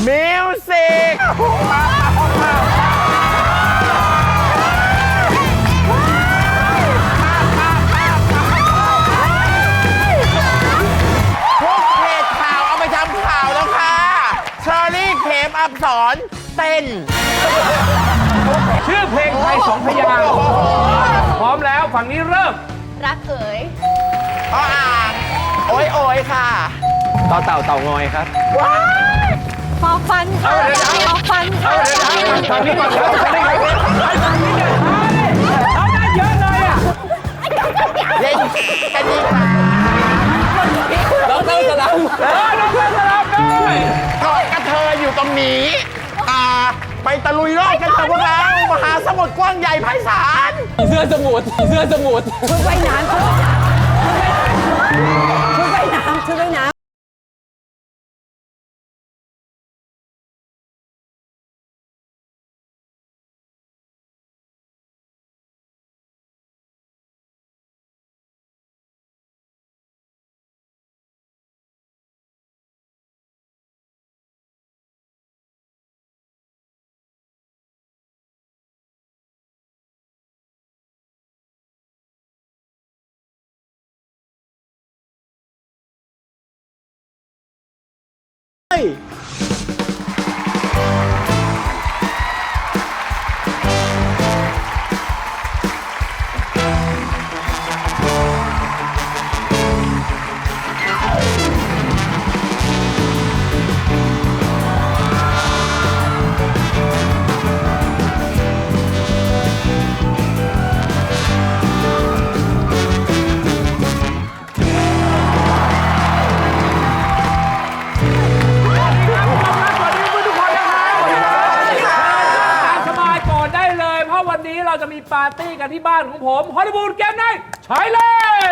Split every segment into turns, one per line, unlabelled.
มิวสิกทุกเพจข่าวเอาไปทำข่าวแล้วค่ะเชอรี่เขมอับสรเต้น
ชื่อเพลงไทย2 พยางค์พร้อมแล้วฝั่งนี้เริ่ม
รักเอ๋ย
อ่างโอ้ยโอยค่ะต่อเต่าเต่างอยครับ
ฟอฟันฟอฟัน
ฝั่งนี้ก่อนครับฝั่งนี้ก่อนฝั่งนี้เนี่ยเอาได้เยอะเลยอ่ะ
เล่นกันดีค่ะ
ดร.สลับดร.สลับด้วย
เกาะกระเทยอยู่ตรงนี้ไปตะลุยโลกกันเถอะพวกเรามหาสมุทรกว้างใหญ่ไพศาล
เสื้อสมุทร
ชุดว่ายน้ำชุดว่ายน้ำ
เราจะมีปาร์ตี้กันที่บ้านของผมฮอลลีวูดเกมไนท์ใช่เลย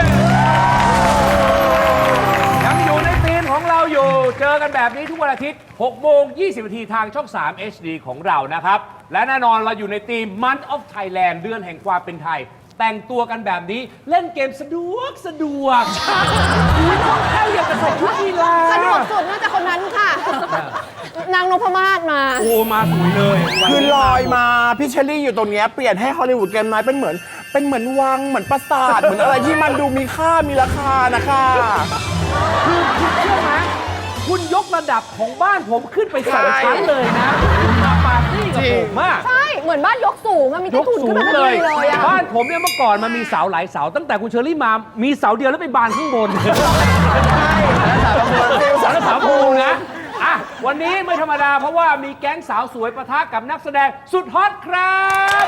ยังอยู่ในธีมของเราอยู่เจอกันแบบนี้ทุกวันอาทิตย์ 6:20 นาทีทางช่อง 3 HD ของเรานะครับ และแน่นอนเราอยู่ในธีม Month of Thailand เดือนแห่งความเป็นไทย แต่งตัวกันแบบนี้เล่นเกมสะดวกคุณต้องเข้าอย่างกับใส่ชุดกีฬา
สะดวกสุดน่าจะคนนั้นค่ะนางนพมาศมา
โอ้มาสวยเลย
คือลอยมาพี่เชอรี่อยู่ตรงนี้เปลี่ยนให้ฮอลลีวูดเกมไนท์เป็นเหมือนวังเหมือนปราสาทเหมือนอะไรที่มันดูมีค่ามีราคานะคะ
คือคุณเชื่อไหมคุณยกระดับของบ้านผมขึ้นไป2 ชั้นเลยนะมาปาร์ตี้กับผมมาก
ใช่เหมือนบ้านยกสูงมีที่ถุนขึ้นมาเลย
บ้านผมเนี่ยเมื่อก่อนมันมีเสาหลายเสาตั้งแต่คุณเชอรี่มามีเสาเดียวแล้วไปบานข้างบนใช่เสาปูนะอ่ะวันนี้ไม่ธรรมดาเพราะว่ามีแก๊งสาวสวยปะทะกับนักแสดงสุดฮอตครับ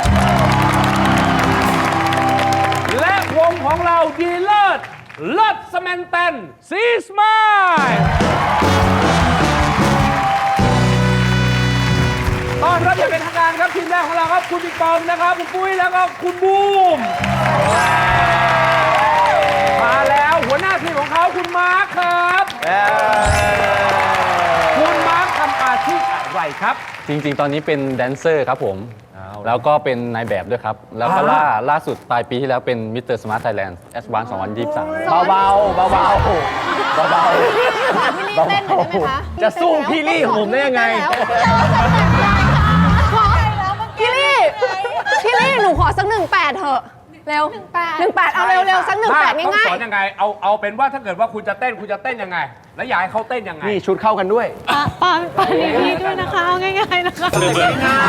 และวงของเราดีเลิศเลิศสแมนเตนซีสมายตอนรับอย่างเป็นทางการครับทีมแรกของเราครับคุณบิ๊กปอมนะครับคุณปุ้ยแล้วก็คุณบูมมาแล้วหัวหน้าทีมของเขาคุณมาร์คครับคุณมาร์คทำอาชีพอะไรครับ
จริงๆตอนนี้เป็นแดนเซอร์ครับผมแล้วก็เป็นนายแบบด้วยครับแล้วก็ล่าสุดปลายปีที่แล้วเป็นมิสเตอร์สมาร์ทไทยแลนด์แอสวาน2023เบา
จะสู้พี่ลี่ของผมได้ยังไง
พี่ลี่หนูขอสัก18เถอะเร็ว18เอาเร็วสัก18ง่ายๆ
สอนยังไงเอาเป็นว่าถ้าเกิดว่าคุณจะเต้นยังไงแล้วอยากให้เขาเต้นยังไง
นี่ชุดเข้ากันด้วย
ปอนนี้ด้วยนะคะเอาง่ายๆนะคะเร็ว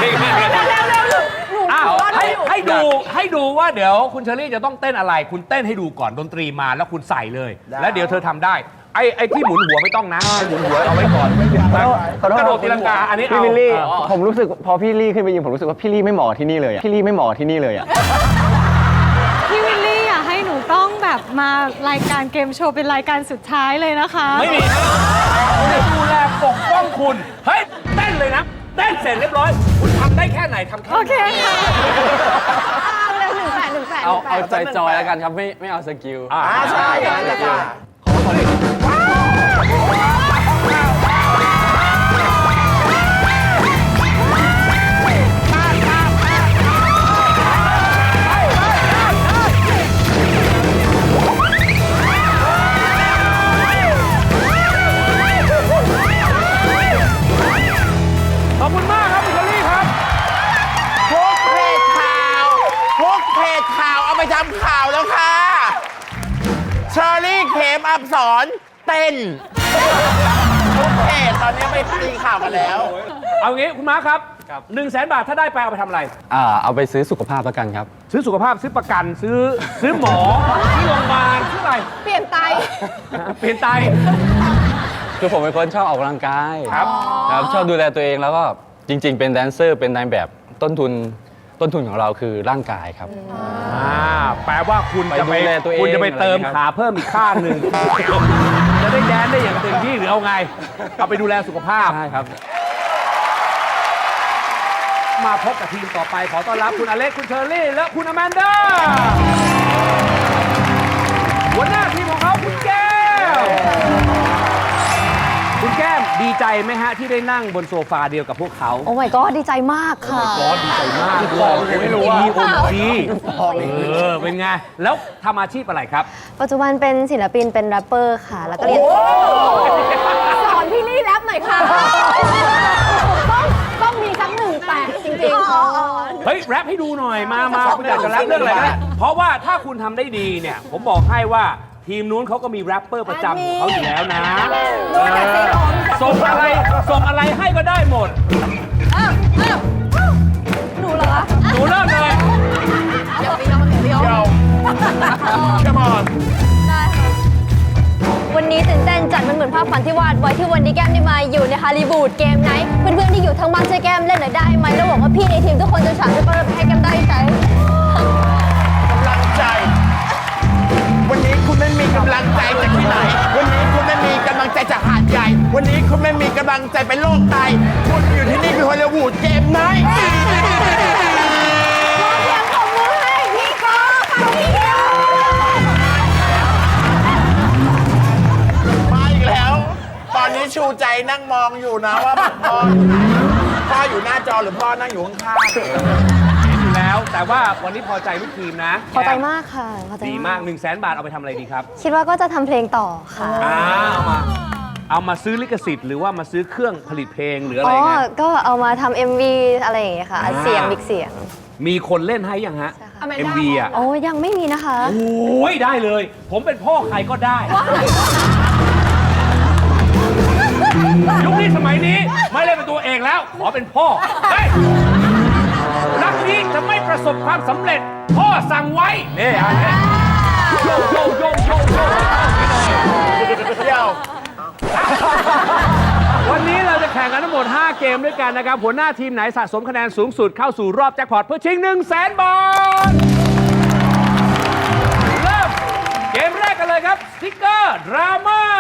ให้ดูว่าเดี๋ยวคุณเชอรี่จะต้องเต้นอะไรคุณเต้นให้ดูก่อนดนตรีมาแล้วคุณใส่เลยแล้วเดี๋ยวเธอทำได้ไอ้ที่หมุนหัวไม่ต้องนะหมุนหัวเอาไว้ก่อนกระโดดตีลังกาอันนี้
พี่วิลลี่ผมรู้สึกพอพี่ลี่ขึ้นไปยืนผมรู้สึกว่าพี่ลี่ไม่เหมาะที่นี่เลยพี่ลี่ไม่เหมาะที่นี่เลย
พี่วิลลี่อยากให้หนูต้องแบบมารายการเกมโชว์เป็นรายการสุดท้ายเลยนะคะ
ไม่มีจะดูแลปกป้องคุณเฮ้ยเต้นเลยนะเต้นเสร็จเรียบร้อยคุณทำได้แค่ไหนทำแค่
โอเคค่ะ
เร็ว18
เอาจอยแล้วกันครับไม่เอาสกิล
ใช่อนเต้นโอเคตอนนี้ไปตีข่าวกันแล้ว
เอางี้คุณม้าครับ100,000 บาทถ้าได้ไปเอาไปทำอะไร
เอาไปซื้อสุขภาพแล้วกันครับ
ซื้อสุขภาพซื้อประกันซื้อหมอซื้อโรงพยาบาลซื้ออะไร
เปลี่ยนไต
เปลี่ยนไต
คือผมเป็นคนชอบออกกำลังกาย
ครับ
ครับชอบดูแลตัวเองแล้วก็จริง ๆ เป็นแดนเซอร์เป็นนายแบบต้นทุนของเราคือร่างกายครับ
แปลว่าคุณจะ
ไปดูแลตัวเอง
คุณจะไปเติม
อะไรอย่างเงี้ย
ขาเพิ่มอีกข้างหนึ่ง จะได้แดนได้อย่างเต็มที่หรือเอาไง เอาไปดูแลสุขภาพ
ใช่ครับ
มาพบกับทีมต่อไปขอต้อนรับคุณอเล็กคุณเชอรี่และคุณอแมนด้าหัวหน้าทีมของเขาคุณแก้วคุณแก้มดีใจไหมฮะที่ได้นั่งบนโซฟาเดียวกับพวกเขา
โอ้ my god ดีใจมากค่ะ
ก็ดีใจมากเลยไม่รู้ว่าเป็นไง แล้วทำอาชีพอะไรครับ
ปัจจุบันเป็นศิลปินเป็นแรปเปอร์ค่ะ แล้วก็เรียน
สอนพี่ลี่แรปหน่อยค่ะ ต้องมีสัก18จริงๆ
เฮ้ย แรปให้ดูหน่อย มาคุณอยากจะแรปเรื่องอะไรก็ได้เพราะว่าถ้าคุณทำได้ดีเนี่ย ผมบอกให้ว่าทีมนู้นเขาก็มีแรปเปอร์ประจำของเขาอยู่แล้วนะส่งอะไรให้ก็ได้หมด
หนูเหรอคะ
หนูเริ่มเลย
เดี๋ยว
Come on
วันนี้ตื่นเต้นจัดมันเหมือนภาพฝันที่วาดไว้ที่วันนี้แก้มได้มาอยู่ในฮอลลีวูดเกมไนท์เพื่อนๆที่อยู่ทั้งบ้านช่วยแก้มเล่นหน่อยได้ไหมแล้วหวังว่าพี่ในทีมทุกคนจะฉาดจะประให้แก้มได้ใจ
กำลังใจ วันนี้คุณไม่มีกำลังใจจากที่ไหน วันนี้คุณไม่มีกำลังใจจากหาดใหญ่ วันนี้คุณไม่มีกำลังใจไปโลกไตคุณอยู่ที่นี่คือฮอลลีวูดเกมไนท์
เสียงปรบมือให้พี่โก้ค่ะพี่เดียว
มาอีกแล้ว ตอนนี้ชูใจนั่งมองอยู่นะว่าพ่ออยู่ไหนพ่ออยู่หน้าจอหรือพ่อนั่งอยู่ข้างๆ
เห็นอยู่แล้ว แต่ว่าวันนี้พอใจลูกทีมนะ
พอใจมากค่ะพอใจ
ดีมาก100,000 บาทเอาไปทำอะไรดีครับ
คิดว่าก็จะทำเพลงต่อค่ะ
เอามาซื้อลิขสิทธิ์หรือว่ามาซื้อเครื่องผลิตเพลงหรืออะไร
อ๋อ
ไง
ก็เอามาทำ MV อะไรอย่างเงี้ยค่ะอัดเสียงมิกเสียง
มีคนเล่นให้ยังฮะ MV อ่ะ
โอ้ยังไม่มีนะคะ
โอ้ยได้เลย ผมเป็นพ่อใครก็ได้ ยุคนี้สมัยนี้ไม่เล่นเป็นตัวเองแล้ว ขอเป็นพ่อเฮ้ยรักนี้จะไม่ประสบความสำเร็จ พ่อสั่งไว้นี่อันนี้โยโยโยโยโย
เดี๋ยว
วันนี้เราจะแข่งกันทั้งหมด 5 เกมด้วยกันนะครับ หัวหน้าทีมไหนสะสมคะแนนสูงสุดเข้าสู่รอบแจ็คพอตเพื่อชิง 100,000 บาท เริ่มเกมแรกกันเลยครับ สติ๊กเกอร์ดราม่า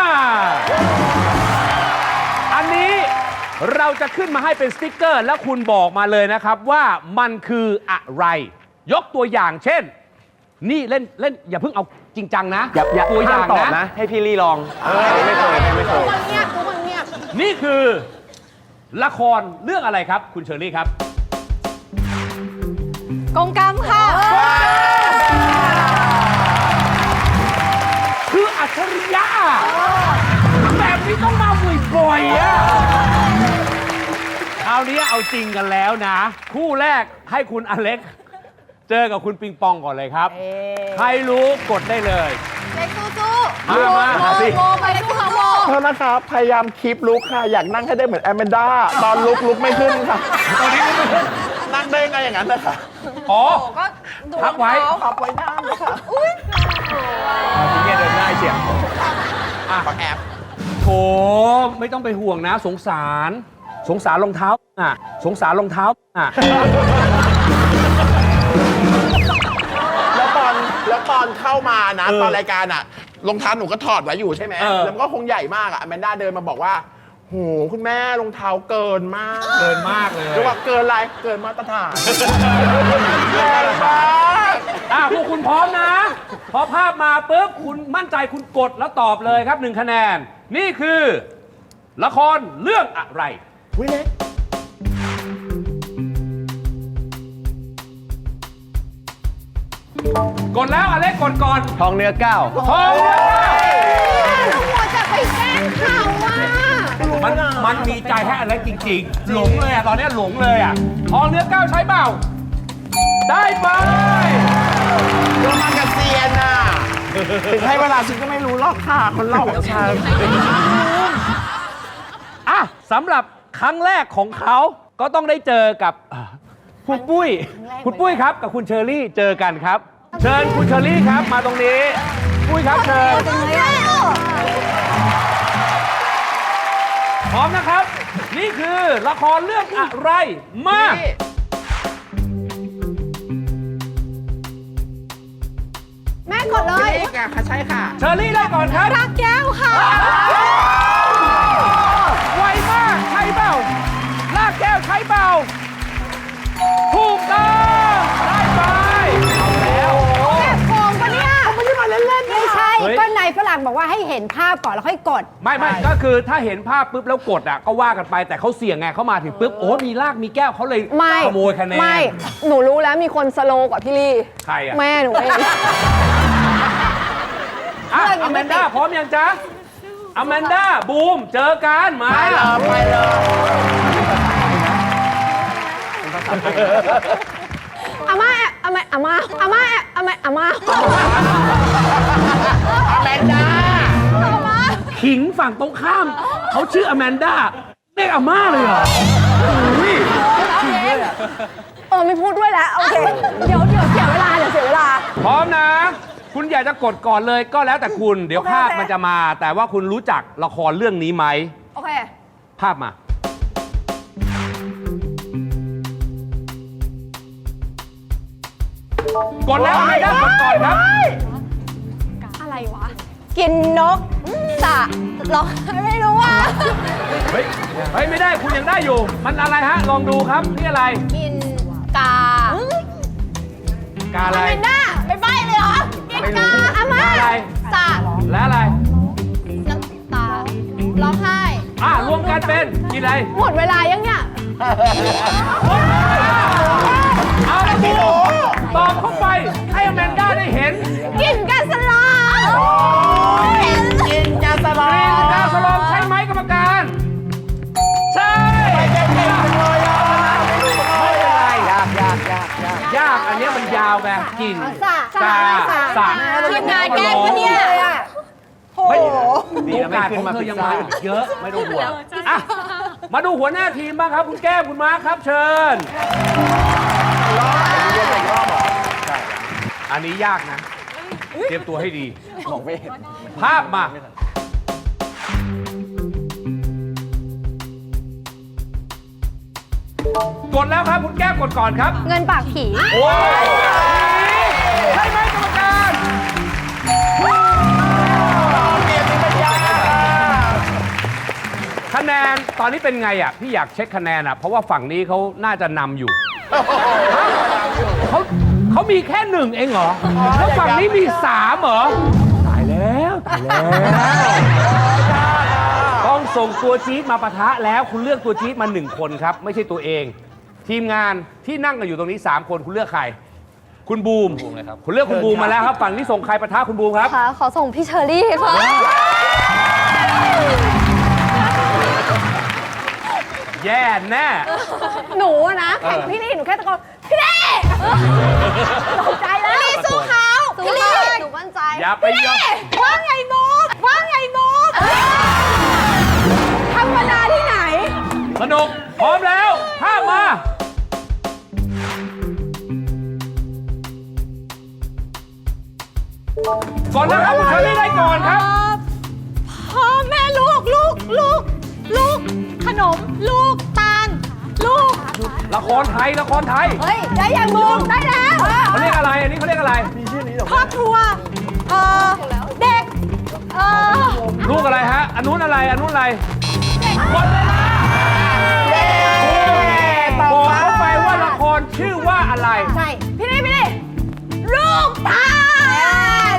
อันนี้เราจะขึ้นมาให้เป็นสติ๊กเกอร์ แล้วคุณบอกมาเลยนะครับว่ามันคืออะไร ยกตัวอย่างเช่น นี่เล่นอย่าเพิ่งเอาจริงจังนะ
อย่า
ตัวอย่าง
ตอบ
นะ
นะ ให้พี่ลี่ลองไม่เคย
เงียบทุกคนเงียบ
นี่คือละครเรื่องอะไรครับ คุณเชอรี่ครับ
กงกรรมค่ะ
คืออัจฉริยะแบบนี้ต้องมาบ่อยๆอะคราวนี้เอาจริงกันแล้วนะ คู่แรกให้คุณอเล็ก เจอกับคุณปิงปองก่อนเลยครับ ใครรู้กดได้เลย
เล็กสู้
มาสิ
โมไปเล็กสู้ค่ะโม
โทษนะครับ พยายามคีปลุกค่ะ อยากนั่งให้ได้เหมือนแอมเมนด้า ตอนลุกไม่ขึ้นค่ะ
ตอนนี้ไม่ขึ้น
นั่งได้ไงอย่างนั้นนะคะ
อ๋อ
ก็ดู
พับไว้
ขับไว้หน้าเลยค่ะ
ทีนี้เดินได้เชียวอ่ะ
ขอแอบ
โถไม่ต้องไปห่วงนะ สงสารรองเท้าอ่ะสงสารรองเท้าอ่ะ
แล้วตอนเข้ามานะ ตอนรายการอ่ะรองเท้าหนูก็ถอดไว้อยู่ใช่ไหมแล้วมันก็คงใหญ่มากอ่ะแมนด้าเดินมาบอกว่าโหคุณแม่รองเท้าเกินมาก
เกินมากเลย
หรือว่าเกินอะไรเกินมาตรฐานแรงมาก
พวกคุณพร้อมนะ พอภาพมาปุ๊บคุณมั่นใจคุณกดแล้วตอบเลยครับ1 คะแนน นี่คือ ละครเรื่องอะไร
วิเล็ก
กดแล้วอเล็กกดก่อน
ทองเนื้อก้าว
ทองเนื้อก้าว
หัวจะไปแกล้งเขาอ่ะ
มันมีใจให้อเล็กจริงๆ หลงเลยอ่ะ ตอนนี้หลงเลยอ่ะ ทองเนื้อก้าวใช้เปล่า ได้ไป
โรมันกับเซียนน่ะถึงให้เวลาฉันก็ไม่รู้หรอกค่ะ คนเล่าของฉัน
อ่ะสำหรับครั้งแรกของเขาก็ต้องได้เจอกับคุณปุ้ย คุณปุ้ยครับกับคุณเชอรี่เจอกันครับ เชิญคุณเชอรี่ครับมาตรงนี้ ปุ้ยครับเชิญ พร้อมนะครับ นี่คือละครเรื่องอะไรมา
แม่กดเลย
นี่ค่ะใช่ค่ะ
เชอรี่ได้ก่อนครับ
รักแก้วค่ะ
ไวมากใช่เปล่าลากแก้วใช่เปล่าถูกต้องได้ไปเอาแล้ว
แอบโกงปะเนี่ยไม่ได้มาเล่นๆไม่ใช่
เฮ้ย
ก็นายฝรั่งบอกว่าให้เห็นภาพก่อนแล้วค่อยกด
ไม่ก็คือถ้าเห็นภาพปุ๊บแล้วกดอ่ะก็ว่ากันไปแต่เขาเสี่ยงไงเขามาถึงปุ๊บโอ้มีลากมีแก้วเขาเลย
ไม่
ขโมยคะแนน
ไม่ หนูรู้แล้วมีคนสโลว์กว่าพี่ลี่
ใครอ่ะ
แม่หนูเอง
อ่ะ
เรื่องยั
อง แม
ไม่
น
ติ
ด้า
ด
พร้อมยังจ๊ะอแมนด้าบูมเจอกันมา
ไปเลย
อาม่าอาม่าอาม่าอาม่าอาม่าอาม่า
อแมนดา
ขิงฝั่งตรงข้ามเขาชื่ออแมนด้าเรียกอาม่าเลยเหรออุ้ย
ไม่พูดด้วยแล้วโอเคเดี๋ยวเสียเวลาเดี๋ยวเสียเวลา
พร้อมนะ คุณอยากจะกดก่อนเลยก็แล้วแต่คุณเดี๋ยว
โอเค
ภาพมันจะมา แต่ว่าคุณรู้จักละครเรื่องนี้ไหม
โอเค
ภาพมา กดแล้วไม่ได้กดก่อนครับ
อะไรวะ กินนกสะหรอไม่รู้ว่า
เฮ้ยไม่ได้คุณยังได้อยู่ มันอะไรฮะ ลองดูครับนี่อะไร
กินกาก
าอะไร
อแมนด้าไม่ใบ้เลยเหรอ กินกาอาม่า
อะไร
สะ
และอะไร
น้ำตาร้องไห้
รวมกันเป็นกินอะไร
หมดเวลายังเนี่ย
เอาละบูตอบเข้าไปให้อแมนด้าได้เห็น
กินกาสลอง
กินยาสล
ก
อ
รีน
ง
กาสลองใช่ไหมกรรมการ ใช่
เก่งจังเลยอ่ะ
ไม่เป็นไร
ยาก
ยากอันเนี้ยมันยาวไงกิน
สะ
กาสะ
ทีมงานแกล้งปะเนี่ย
ไม่โอกาสของเธอยังมาอีกเยอะไม่ต้องห่วงอ่ะมาดูหัวหน้าทีมบ้างครับคุณแก้มคุณมาร์คครับเชิญ อันนี้ยากนะ เตรียมตัวให้ดีภาพมา กดแล้วครับคุณแก้มกดก่อนครับ
เงินปากผี
โอ้ยใช่ไหมกรรมการ คะแนนตอนนี้เป็นไงอ่ะ พี่อยากเช็คคะแนนอ่ะ เพราะว่าฝั่งนี้เขาน่าจะนำอยู่เขามีแค่หนึ่งเองเหรอ แล้วฝั่งนี้มี3เหรอ ตายแล้วต้องส่งตัวจี๊ดมาปะทะแล้วคุณเลือกตัวจี๊ดมา1คนครับ ไม่ใช่ตัวเอง ทีมงานที่นั่งกันอยู่ตรงนี้3คนคุณเลือกใคร คุณบูมคุณเลือกคุณบูมมาแล้วครับ ฝั่งนี้ส่งใครปะทะคุณบูมครับ
ค่ะ ขอส่งพี่เชอรี่ค่ะ
แย่แน่
หนูอะนะแข่งพี่ลี่หนูแค่ตะโกนพี่ลี่ตกใจแล้วพี่ลี่สู้เขาพี่ลี่
หนูมั่นใจ
อย่าไปยอม
ว่าไงนุ๊กว่าไงนุ๊กธรรมดาที่ไหน
สนุกพร้อมแล้วภาพมา ก่อนนะครับคุณเชอรี่ได้ก่อนครับ
พ่อแม่ลูกขนมลูกตาลลูก
ละครไทยละครไทย
เฮ้ย ได้ยังมุมได้แล้ว
เขาเรียกอะไร อันนี้เขาเรียกอะไร
ครอบครัวเด็ก
ลูกอะไรฮะ อันนู้นอะไร อันนู้นอะไรหมดเวลาบอกเขาไปว่าละครชื่อว่าอะไร
ใช่ พี่ลี่ลูกตาล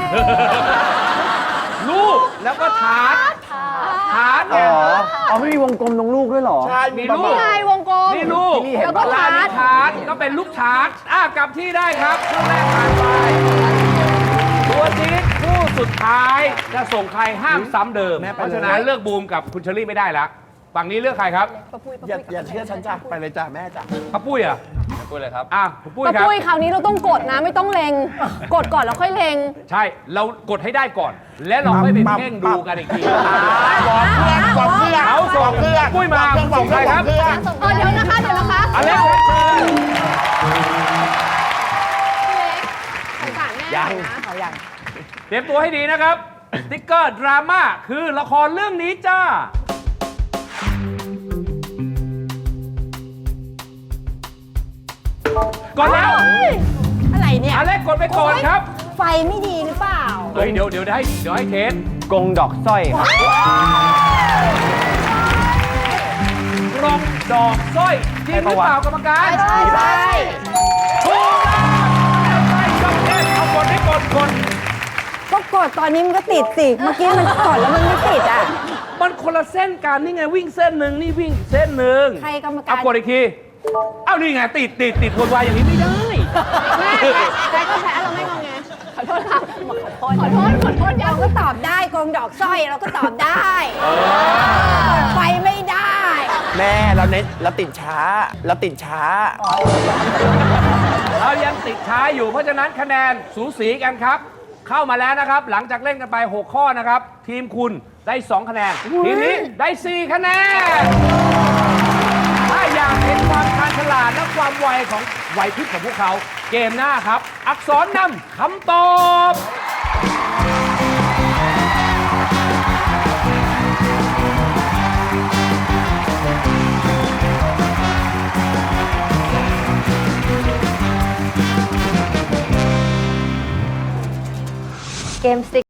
ลูกแล้วก็ฐานเนี่ย
ไม่มีวงกลมตรงลูกด้วยเหรอ
ใช่
มีลูก
ไงวงกลม
นี่ลูก
แล้วก็
ลา
ฐาน
นิฐานก็เป็นลูกชาร์จกลับที่ได้ครับช่วงแรกผ่านไปตัวจี๊ดผู้สุดท้ายจะส่งใครห้ามซ้ำเดิม เพราะฉะนั้นเลือกบูมกับคุณเชอรี่ไม่ได้ละฝั่งนี้เลือกใครครับ
อย่าเชื่อฉันจ้ะไปเลยจ้ะแม่จ้ะ
ป้าปุ้ยอ่ะ
ปุ้ยเลยครับ
คุณปุ้ย
ป้า
ครับ
ปุ้ยคราวนี้เราต้องกดนะไม่ต้องเล็ง กดก่อนแล้วค่อยเล็ง
ใช่ เรากดให้ได้ก่อน และเราค่อยไปเพ่งดูกันอีกที
บอกเพื่อนบอกเพื่อน
เอาส่ง
บอกเพื่อน
ปุ้ยมา
บอกเพื่อน
ส่งใครครับ
อกเพื่อน
เดี๋ยวนะคะเดี๋ยวนะคะ
อเล็กซ์เชิญ
สงสารแม่ยังนะเขายัง
เตรียมตัวให้ดีนะครับ สติ๊กเกอร์ดราม่าคือละครเรื่องนี้จ้า ก่อนแล้ว
อะไรเนี่ย
อเล็กกดไปก่อนครับ
ไฟไม่ดีหรือเปล่า
เฮ้ยเดี๋ยวให้เทส
กงดอกสร้อยครับ
กรองดอกสร้อยจริงหรือเปล่ากรรมการ
ใช่ใช่
ถูกแล้วใช่ยกเล่นเอากดให้กด
ก็กดตอนนี้มันก็ติดสิ เมื่อกี้มันกดแล้วมันไม่ติดอ่ะ
มันคนละเส้นกันนี่ไงวิ่งเส้นหนึ่งนี่วิ่งเส้นหนึ่ง
ใครกรรมการ
เอากดอีกที เอ้านี่ไงติดวนวายอย่างนี้ไม่ได้
แม่ใครก็แพ้เราไม่งงไงขอโทษค่ะขอโทษเราก็ตอบได้กงดอกสร้อยเราก็ตอบได้กดไฟไม่ได้
แม่เราติดช้า
เรายังติดช้าอยู่เพราะฉะนั้นคะแนนสูสีกันครับ เข้ามาแล้วนะครับ หลังจากเล่นกันไป 6 ข้อนะครับ ทีมคุณได้ 2 คะแนน ทีมนี้ได้ 4 คะแนน ถ้าอยากเห็นความชาญฉลาดและความไวของไหวพริบของพวกเขา เกมหน้าครับ อักษรนำคำตอบ
เกมสติ